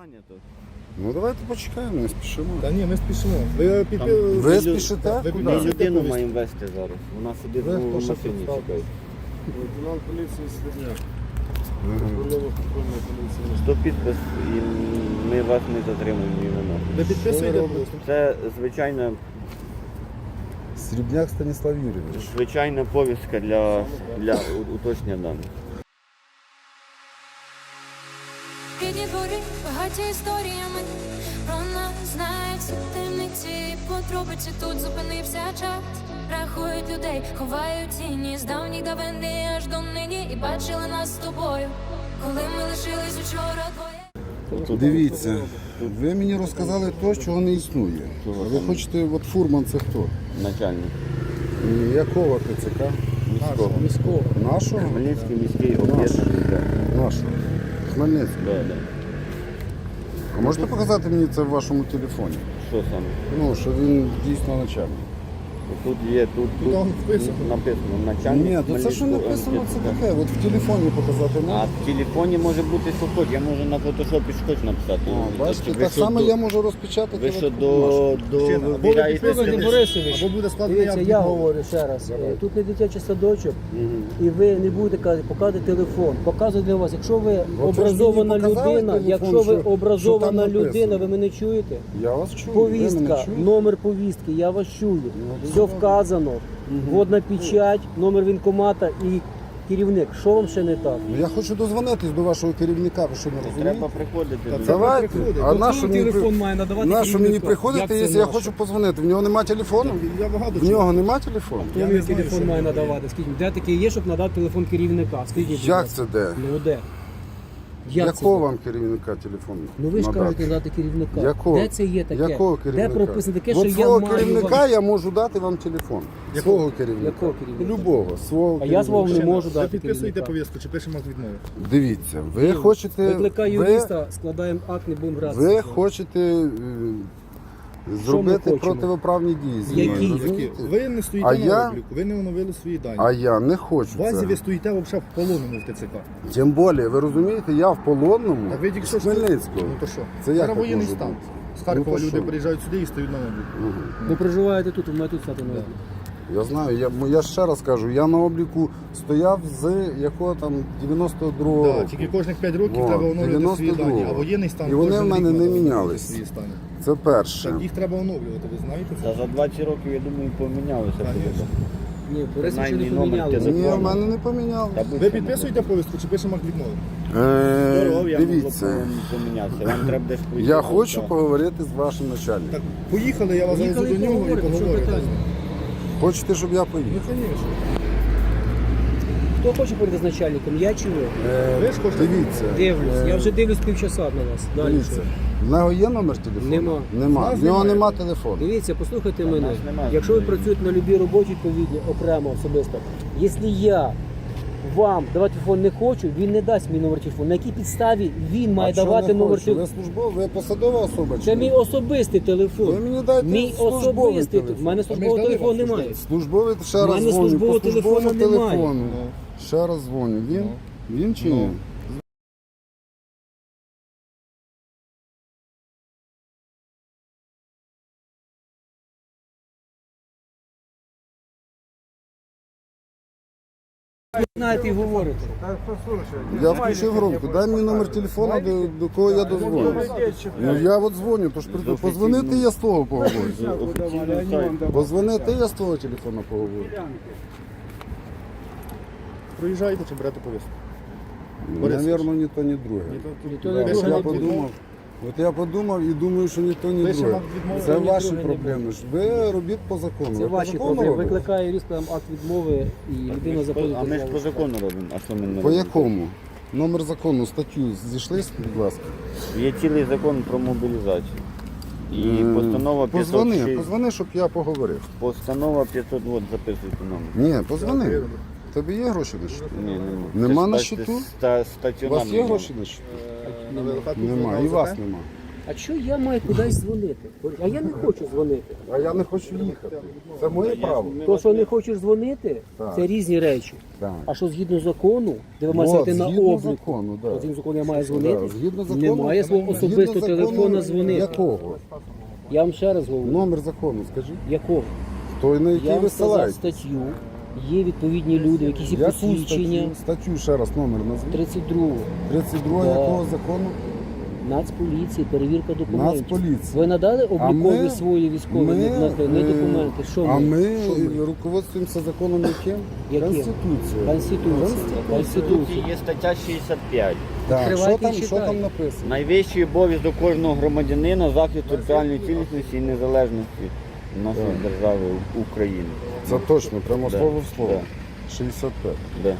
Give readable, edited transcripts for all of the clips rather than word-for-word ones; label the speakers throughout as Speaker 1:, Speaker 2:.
Speaker 1: зайнято.
Speaker 2: Ну давайте почекаємо, не спішимо.
Speaker 3: Та ні, ми спішимо.
Speaker 2: Ви спішите?
Speaker 3: ви
Speaker 2: Куди?
Speaker 1: Ми людину маємо вести зараз. Вона сидить
Speaker 3: Ви
Speaker 1: в
Speaker 3: хто ще
Speaker 1: машині
Speaker 3: представте?
Speaker 1: чекає.
Speaker 4: Лейтенант поліції Слідняк.
Speaker 2: Ага.
Speaker 4: Патрульного патрульної поліції.
Speaker 1: Сто підпис і ми вас не затримуємо ні на нас.
Speaker 3: Ви підписуєте?
Speaker 2: Що ви робите?
Speaker 1: Це
Speaker 2: Срібняк Станіслав Юрійович.
Speaker 1: звичайна повістка для уточнення даних.
Speaker 5: Рідні двори багаті історіями, про нас знають всі темниці, подробиці тут зупинився час. Рахують людей, ховають тіні з давніх давини аж до нині. І бачили нас з тобою, коли ми лишились учора двоє.
Speaker 2: Дивіться, ви мені розказали те, чого не існує. А ви хочете, от фурман це хто?
Speaker 1: Начальник.
Speaker 2: Якого ТЦК?
Speaker 1: Міського.
Speaker 2: Нашого?
Speaker 1: Хмельницький міський об'єднаний.
Speaker 2: Нашого. Хмельницького.
Speaker 1: Да, да.
Speaker 2: А можете показати мені це в вашому телефоні?
Speaker 1: Що саме?
Speaker 2: Ну, що він дійсно начальник.
Speaker 1: Тут є, тут
Speaker 3: там вписано.
Speaker 1: написано начальник.
Speaker 2: Ні, то це що
Speaker 1: Хмельницького
Speaker 2: написано, це
Speaker 1: МТЦК.
Speaker 2: таке. От в телефоні показати
Speaker 1: А
Speaker 2: можна?
Speaker 1: в телефоні може бути що хоч. Я можу на фотошопі що хоч написати.
Speaker 2: А, бачите,
Speaker 1: Ви
Speaker 2: так
Speaker 1: що,
Speaker 2: само
Speaker 1: до-
Speaker 2: я можу розпечатати.
Speaker 1: Ви що
Speaker 2: от нашу.
Speaker 1: до
Speaker 3: Або ви
Speaker 1: вибираєте
Speaker 3: підписуєте,
Speaker 6: Борисович,
Speaker 3: або буде складений
Speaker 6: дивіться,
Speaker 3: акт
Speaker 6: я
Speaker 3: відмови.
Speaker 6: говорю ще раз. Тут не дитячий садочок,
Speaker 1: Мгм.
Speaker 6: і ви не будете казати, показувати телефон. Показую для вас. Якщо ви
Speaker 2: ж
Speaker 6: образована
Speaker 2: мені показали
Speaker 6: людина,
Speaker 2: телефон,
Speaker 6: якщо ви
Speaker 2: що там
Speaker 6: образована
Speaker 2: написано.
Speaker 6: людина, ви мене чуєте?
Speaker 2: Я вас чую. ви мене
Speaker 6: Повістка,
Speaker 2: чуєте?
Speaker 6: номер повістки, я вас чую.
Speaker 2: дуже
Speaker 6: Все
Speaker 2: добре.
Speaker 6: вказано. Водна печать, номер воєнкомата і керівник. Що вам ще не так?
Speaker 2: Ну, я хочу дозвонитись до вашого керівника, ви що не розумієте?
Speaker 1: Треба приходити. до
Speaker 2: Давайте.
Speaker 3: приходить.
Speaker 2: А на що мені,
Speaker 6: має надавати
Speaker 2: на що мені
Speaker 6: керівнику?
Speaker 2: приходити,
Speaker 6: Як це
Speaker 2: якщо я
Speaker 6: наше?
Speaker 2: хочу позвонити? В нього нема телефону?
Speaker 3: Я багато
Speaker 2: В нього нема телефону?
Speaker 6: Хто
Speaker 3: Я
Speaker 6: мені
Speaker 3: не знаю,
Speaker 6: телефон
Speaker 3: що
Speaker 6: має
Speaker 3: ви
Speaker 6: надавати? Скажіть, де таке є, щоб надати телефон керівника? Скажіть, будь
Speaker 2: Як
Speaker 6: ласка.
Speaker 2: це де?
Speaker 6: Ну де? Як це
Speaker 2: Якого
Speaker 6: де?
Speaker 2: вам керівника телефону?
Speaker 6: Ну ви ж
Speaker 2: надати?
Speaker 6: кажете надати керівника.
Speaker 2: Якого?
Speaker 6: Де це є таке?
Speaker 2: Якого керівника?
Speaker 6: Де прописано таке, що
Speaker 2: От
Speaker 6: я
Speaker 2: свого
Speaker 6: маю
Speaker 2: керівника
Speaker 6: вам...
Speaker 2: я можу дати вам телефон. Свого керівника.
Speaker 6: Якого керівника?
Speaker 2: Любого. Свого
Speaker 6: А я свого
Speaker 2: керівника.
Speaker 6: не можу
Speaker 3: Ви
Speaker 6: дати
Speaker 3: підписуєте
Speaker 6: керівника.
Speaker 3: повістку чи пишемо акт відмови?
Speaker 2: Дивіться, ви хочете...
Speaker 6: Викликай
Speaker 2: ви-
Speaker 6: юриста, складаємо акт, не будемо гратися.
Speaker 2: Ви хочете зробити
Speaker 6: хочемо?
Speaker 2: противоправні дії зі мною,
Speaker 6: Які?
Speaker 2: розумієте?
Speaker 3: Ви не стоїте
Speaker 2: А
Speaker 3: на
Speaker 2: я-
Speaker 3: обліку, ви не оновили свої дані.
Speaker 2: А я не хочу
Speaker 3: В базі
Speaker 2: це.
Speaker 3: ви стоїте взагалі в полоненому в ТЦК.
Speaker 2: Тим більше, ви розумієте, я в полонному
Speaker 3: Так ви тільки
Speaker 2: з
Speaker 3: що
Speaker 2: Хмельницького.
Speaker 3: Ну то що?
Speaker 2: Це як
Speaker 3: Зараз
Speaker 2: так
Speaker 3: воєнний
Speaker 2: може
Speaker 3: стан.
Speaker 2: бути?
Speaker 3: З Харкова
Speaker 2: то
Speaker 3: люди
Speaker 2: що?
Speaker 3: приїжджають сюди і стають на обліку.
Speaker 6: Ви проживаєте тут, ви маєте тут стати на обліку.
Speaker 2: Я знаю, я ще раз кажу, я на обліку стояв з якого там 92-го
Speaker 3: Так,
Speaker 2: року.
Speaker 3: тільки кожних 5 років
Speaker 2: О,
Speaker 3: треба оновлювати свої
Speaker 2: 92-го.
Speaker 3: дані. А воєнний стан
Speaker 2: І вони
Speaker 3: кожен
Speaker 2: в мене
Speaker 3: рік
Speaker 2: не
Speaker 3: треба оновлювати
Speaker 2: мінялись.
Speaker 3: свої стани.
Speaker 2: Це перше.
Speaker 3: Так їх треба оновлювати, ви знаєте це?
Speaker 1: Та за 20 років, я думаю, помінялося.
Speaker 3: Конечно.
Speaker 6: Ні, Борисович ще не
Speaker 1: Принаймні, номер
Speaker 6: помінялися.
Speaker 2: Ні,
Speaker 1: телефону.
Speaker 2: в мене не помінялось.
Speaker 1: Та
Speaker 3: Ви
Speaker 1: будь-що
Speaker 3: підписуєте повістку чи пишемо акт відмови?
Speaker 1: Здоров'я
Speaker 2: Дивіться,
Speaker 1: могло б помінятися. Вам треба десь пройти.
Speaker 2: я хочу
Speaker 1: Так.
Speaker 2: поговорити з вашим начальником.
Speaker 3: Так, поїхали, я вас завезу
Speaker 6: Поїхали
Speaker 3: до
Speaker 6: і
Speaker 3: нього і
Speaker 6: поговоримо, що
Speaker 3: поговорю.
Speaker 6: питання?
Speaker 2: Хочете, щоб я
Speaker 3: Ну,
Speaker 2: поїхав?
Speaker 3: звісно.
Speaker 6: Хто хоче поговорити з начальником? Я чи ви?
Speaker 3: Ви ж хочете?
Speaker 2: Дивіться.
Speaker 6: Дивлюсь. Я вже дивлюсь півчаса на вас. Далі
Speaker 2: Дивіться.
Speaker 6: що?
Speaker 2: В нього є номер телефону?
Speaker 6: Нема.
Speaker 2: Нема.
Speaker 3: Нас
Speaker 2: В нього
Speaker 3: немає.
Speaker 2: нема телефону.
Speaker 6: Дивіться, послухайте
Speaker 1: Та
Speaker 6: мене.
Speaker 1: нас нема
Speaker 6: Якщо ви
Speaker 1: знайомих.
Speaker 6: працюєте на любій роботі відповідні, окремо, особисто, якщо я вам давати телефон не хочу, він не дасть мій номер телефону. На якій підставі він має
Speaker 2: А що
Speaker 6: давати
Speaker 2: не
Speaker 6: номер
Speaker 2: хочу? Ви
Speaker 6: телефону?
Speaker 2: службова, ви посадова особа? чи
Speaker 6: Це
Speaker 2: ні?
Speaker 6: мій особистий
Speaker 2: Ви
Speaker 6: телефон.
Speaker 2: мені дайте
Speaker 6: Мій
Speaker 2: службовий
Speaker 6: особистий
Speaker 2: телефон.
Speaker 6: телефон. У мене службового
Speaker 3: дали
Speaker 6: телефону
Speaker 3: вам
Speaker 6: немає.
Speaker 2: Службовий, ще
Speaker 6: У
Speaker 2: раз
Speaker 6: мене
Speaker 2: дзвоню.
Speaker 6: службового
Speaker 2: По службовому
Speaker 6: телефону немає.
Speaker 2: телефону. Ще раз дзвоню. Він? Він чи ні?
Speaker 6: Знаєте і говорите.
Speaker 2: Я включив громко. Дай мені номер телефону, до кого я дозвоню. Ну я от дзвоню, тож позвонити я з того поговорю.
Speaker 1: Офіційний сайт.
Speaker 2: Позвонити я з того телефону поговорю.
Speaker 3: Проїжджаєте чи берете повістку? Борисович.
Speaker 2: Навірно, ні то, ні друге.
Speaker 6: то
Speaker 2: Да,
Speaker 6: не
Speaker 2: от
Speaker 6: друге.
Speaker 2: я подумав. От я подумав і думаю, що ні то, ні
Speaker 3: Пишемо
Speaker 2: друге.
Speaker 3: акт відмови,
Speaker 2: Це
Speaker 6: ні
Speaker 2: ваші
Speaker 6: друге, ні
Speaker 2: проблеми. Ви робіть по закону.
Speaker 6: Це
Speaker 2: Ви по
Speaker 6: ваші
Speaker 2: закону
Speaker 6: проблеми.
Speaker 2: робите?
Speaker 6: Викликає юрист, там акт відмови і людина заходить.
Speaker 1: А ми ж
Speaker 6: до
Speaker 1: по
Speaker 6: зали.
Speaker 1: закону робимо. А що ми не
Speaker 2: По
Speaker 1: робимо?
Speaker 2: якому? Номер закону, статтю зійшлись, будь ласка.
Speaker 1: Є цілий закон про мобілізацію. І постанова 506.
Speaker 2: Позвони, щоб я поговорив.
Speaker 1: Постанова 500, от записуйте номер.
Speaker 2: Ні, позвони. Тобі є гроші на щиту?
Speaker 1: Ні, нема.
Speaker 2: Нема
Speaker 1: Це
Speaker 2: на
Speaker 1: ста-
Speaker 2: щиту?
Speaker 1: ста-
Speaker 2: У
Speaker 1: стаціонарний
Speaker 2: вас є
Speaker 1: номер.
Speaker 2: гроші на щиту?
Speaker 3: На ВЛК тут
Speaker 2: Нема.
Speaker 3: на
Speaker 2: І
Speaker 3: ОЗП?
Speaker 2: вас нема.
Speaker 6: А що я маю кудись дзвонити? А я не хочу дзвонити.
Speaker 2: А я не хочу їхати. Це моє право.
Speaker 6: То, що не хочеш дзвонити,
Speaker 2: Так.
Speaker 6: це різні речі.
Speaker 2: Так.
Speaker 6: А що згідно закону, де ви
Speaker 2: От,
Speaker 6: маєте стати на
Speaker 2: згідно
Speaker 6: обліку,
Speaker 2: закону, да.
Speaker 6: згідно закону я маю дзвонити,
Speaker 2: Да, згідно закону,
Speaker 6: немає свого
Speaker 2: згідно
Speaker 6: особистого
Speaker 2: закону
Speaker 6: телефона дзвонити.
Speaker 2: Якого?
Speaker 6: Я вам ще раз говорю,
Speaker 2: Номер закону, скажіть.
Speaker 6: якого?
Speaker 2: Той, на який
Speaker 6: Я
Speaker 2: ви
Speaker 6: вам сказав
Speaker 2: ссилаєте.
Speaker 6: статтю, є відповідні люди, якісь є
Speaker 2: Яку
Speaker 6: посвідчення,
Speaker 2: статтю ще раз номер назвіть.
Speaker 6: 32
Speaker 2: 32
Speaker 6: Да.
Speaker 2: якого закону?
Speaker 6: Нацполіції, перевірка документів.
Speaker 2: Нацполіції.
Speaker 6: Ви надали облікові
Speaker 2: ми-
Speaker 6: свої військові
Speaker 2: ми,
Speaker 6: не документи? Що
Speaker 2: А
Speaker 6: ми?
Speaker 2: ми
Speaker 6: Що ми?
Speaker 2: руководствуємося законом яким?
Speaker 6: Яким?
Speaker 2: Конституцією.
Speaker 6: Конституція.
Speaker 1: Тут
Speaker 6: Конституція.
Speaker 1: є стаття 65.
Speaker 2: Так,
Speaker 6: Відкривайте
Speaker 2: що там,
Speaker 6: і
Speaker 2: що
Speaker 6: читайте.
Speaker 2: там написано?
Speaker 1: Найвищий обов'язок кожного громадянина захист територіальної цілісності і незалежності нашої держави України.
Speaker 2: Це точно, прямо
Speaker 1: Да.
Speaker 2: слово в слово.
Speaker 1: Да.
Speaker 2: 65.
Speaker 1: Да.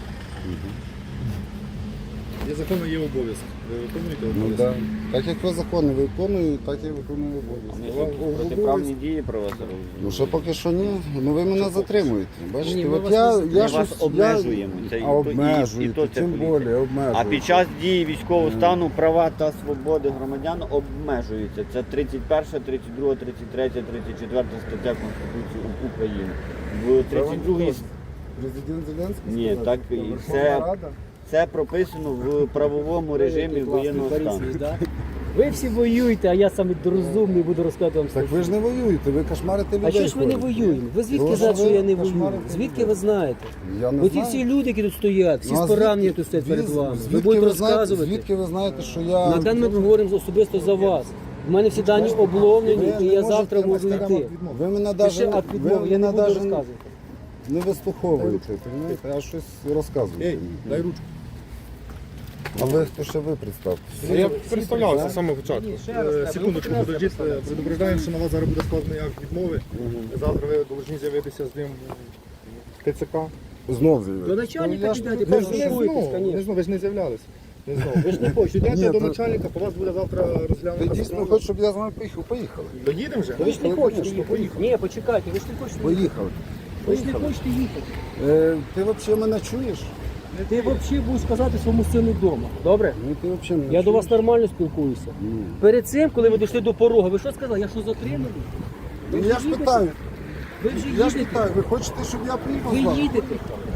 Speaker 3: Є закони, є обов'язки. Ви виконуєте
Speaker 2: Ну
Speaker 3: обов'язки?
Speaker 2: да. Так як ви закони виконуєте, так і виконую обов'язки.
Speaker 1: Протиправні дії про вас робимо.
Speaker 2: Ну ще поки що ні. Ну ви мене затримуєте. Бачите,
Speaker 6: Ні, ми
Speaker 2: от
Speaker 6: вас
Speaker 2: я,
Speaker 6: не-
Speaker 2: я
Speaker 1: Ми
Speaker 2: щось
Speaker 1: вас обмежуємо. Це і
Speaker 2: А
Speaker 1: то- і
Speaker 2: обмежуєте,
Speaker 1: то це
Speaker 2: тим
Speaker 1: поліція.
Speaker 2: більше обмежуєте.
Speaker 1: А під час дії військового стану права та свободи громадян обмежуються. Це 31, 32, 33, 34 стаття Конституції України. В 32
Speaker 2: Президент Зеленський
Speaker 1: Ні,
Speaker 2: сказав,
Speaker 1: так
Speaker 2: що
Speaker 1: і
Speaker 2: Верховна
Speaker 1: це-
Speaker 2: Рада.
Speaker 1: це прописано в правовому режимі воєнного стану.
Speaker 6: Ви всі воюєте, а я саме розумний буду розказувати вам
Speaker 2: Так ви ж не воюєте, ви кошмарите людей.
Speaker 6: А що ж ми не
Speaker 2: ходите.
Speaker 6: воюємо? Ви звідки
Speaker 2: Тому
Speaker 6: знаєте,
Speaker 2: що
Speaker 6: що я
Speaker 2: ви
Speaker 6: не воюю?
Speaker 2: кошмарите
Speaker 6: Звідки
Speaker 2: людей.
Speaker 6: ви знаєте?
Speaker 2: Я не
Speaker 6: Оті
Speaker 2: знаю.
Speaker 6: всі люди, які тут стоять, всі
Speaker 2: Ну,
Speaker 6: з
Speaker 2: а
Speaker 6: поранення
Speaker 2: звідки-
Speaker 6: тут стоять перед вами. Ви
Speaker 2: звідки
Speaker 6: будете
Speaker 2: ви знаєте-
Speaker 6: розказувати.
Speaker 2: Звідки ви знаєте, що я...
Speaker 6: На даний момент ми говоримо особисто за вас. У мене всі дані обловлені,
Speaker 2: ви
Speaker 6: і
Speaker 2: не
Speaker 6: я
Speaker 2: можете
Speaker 6: завтра можу
Speaker 2: прямо
Speaker 6: йти.
Speaker 2: Ви мене
Speaker 6: Пиши
Speaker 2: навіть
Speaker 6: акт відмови, я не буду розказувати.
Speaker 2: не вислуховуєте, розумієте? А щось розказуєте.
Speaker 3: Ей,
Speaker 2: мені.
Speaker 3: дай ручку.
Speaker 2: А ви хто ще ви представте?
Speaker 3: Я представлявся з самого початку. Секундочку, подождіть, предупреждаємо, що на вас зараз буде складений акт відмови. Завтра ви повинні з'явитися з ним в ТЦК.
Speaker 2: Знов
Speaker 6: До
Speaker 2: з'явився.
Speaker 6: начальника
Speaker 2: Я ж
Speaker 6: підете,
Speaker 2: кажу,
Speaker 3: Не
Speaker 2: що-
Speaker 6: поспілкуйтесь,
Speaker 3: знову,
Speaker 6: звісно.
Speaker 3: ви ж не з'являлися. Не знову. Ви ж не хочете.
Speaker 2: Ні,
Speaker 3: Йдете до
Speaker 2: то-
Speaker 3: начальника, по вас буде завтра
Speaker 2: Ти
Speaker 3: розглянуто.
Speaker 2: дійсно хочеш, щоб я з вами поїхав? Поїхали.
Speaker 3: Доїдемо вже?
Speaker 6: Ви ж не хочете
Speaker 2: Конечно,
Speaker 6: їхати. Ні, почекайте, ви ж не хочете їхати.
Speaker 2: Поїхали.
Speaker 6: Ви ж не хочете їхати.
Speaker 2: Ти взагалі мене чуєш?
Speaker 6: Ти взагалі будеш сказати своєму сину вдома. Добре?
Speaker 2: Ну ти взагалі мене
Speaker 6: Я до
Speaker 2: чуєш?
Speaker 6: вас нормально спілкуюся.
Speaker 2: Ні.
Speaker 6: Перед цим, коли ви дійшли до порога, ви що сказали? Я що затриманий?
Speaker 2: Ну,
Speaker 6: Ви
Speaker 2: я
Speaker 6: вже
Speaker 2: ж
Speaker 6: їдете?
Speaker 2: питаю.
Speaker 6: Ви вже
Speaker 2: Я ж
Speaker 6: їдете?
Speaker 2: питаю, ви хочете, щоб я приїхав з
Speaker 6: Ви
Speaker 2: вами?
Speaker 6: їдете.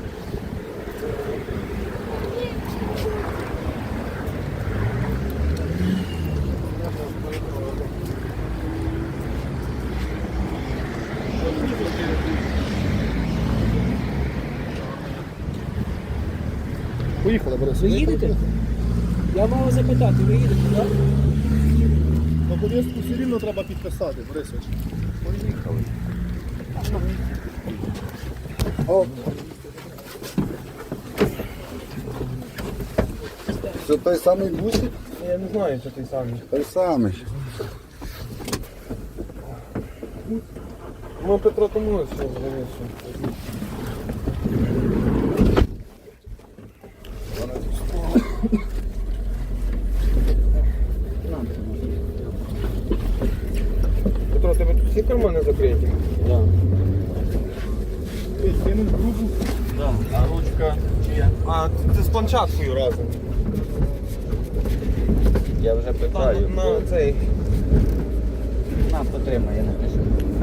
Speaker 3: Поїхали, Борис.
Speaker 6: Ви їдете? Я мав запитати, ви їдете, так?
Speaker 3: На повістку все рівно треба підписати, Борисович.
Speaker 2: Це той самий бусик?
Speaker 3: Я не знаю, що той самий.
Speaker 2: Той самий.
Speaker 3: Ну, Петро тому що завісно. Петро, тебе тут всі кармани закриті?
Speaker 1: Да.
Speaker 3: Кинув грубу.
Speaker 1: Да. А ручка чия?
Speaker 3: А, це з планшеткою разом.
Speaker 1: Я вже питаю.
Speaker 3: На цей.
Speaker 1: На, потримай, я напишу.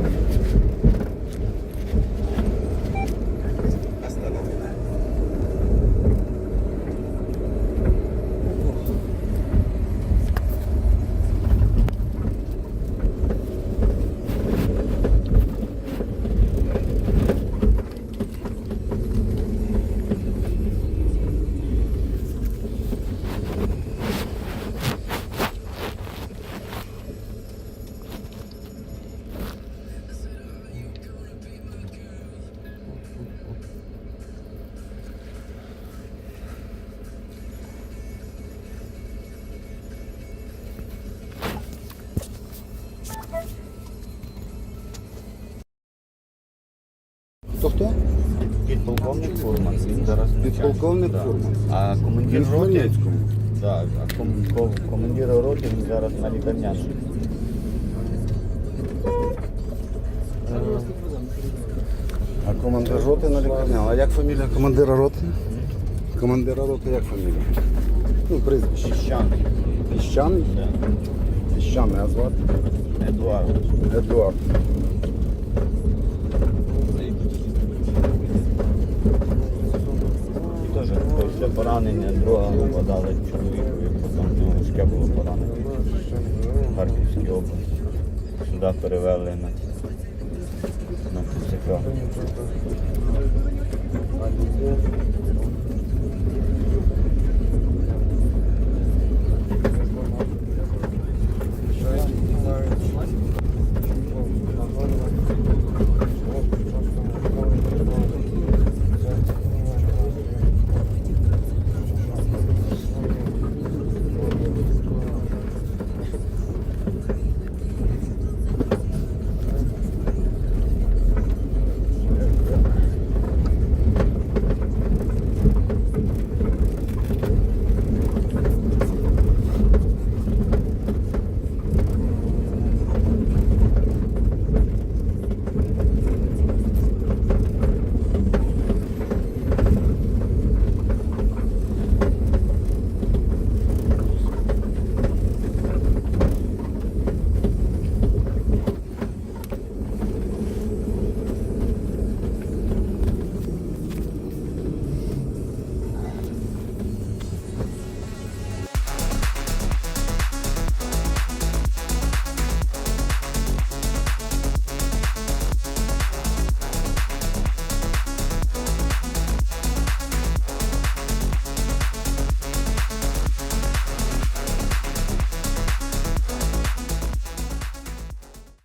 Speaker 2: Хто?
Speaker 1: Підполковник Фурман. Він зараз
Speaker 2: Підполковник
Speaker 1: Да.
Speaker 2: Фурман.
Speaker 1: А командир
Speaker 2: Він в
Speaker 1: роти.
Speaker 2: Хмельницькому.
Speaker 1: Так, а командир роти він зараз на лікарняному.
Speaker 2: А командир роти на лікарня. А як фамілія командира роти? Командира роти як фамілія? Ну, прізвище.
Speaker 1: Піщаний.
Speaker 2: Піщаний?
Speaker 1: Да.
Speaker 2: Що мене звати?
Speaker 1: Едуард.
Speaker 2: Едуард.
Speaker 1: Теж після поранення друга подали чоловікові, потім в нього важке було поранення в Харківській області. Сюди перевели на ТЦК.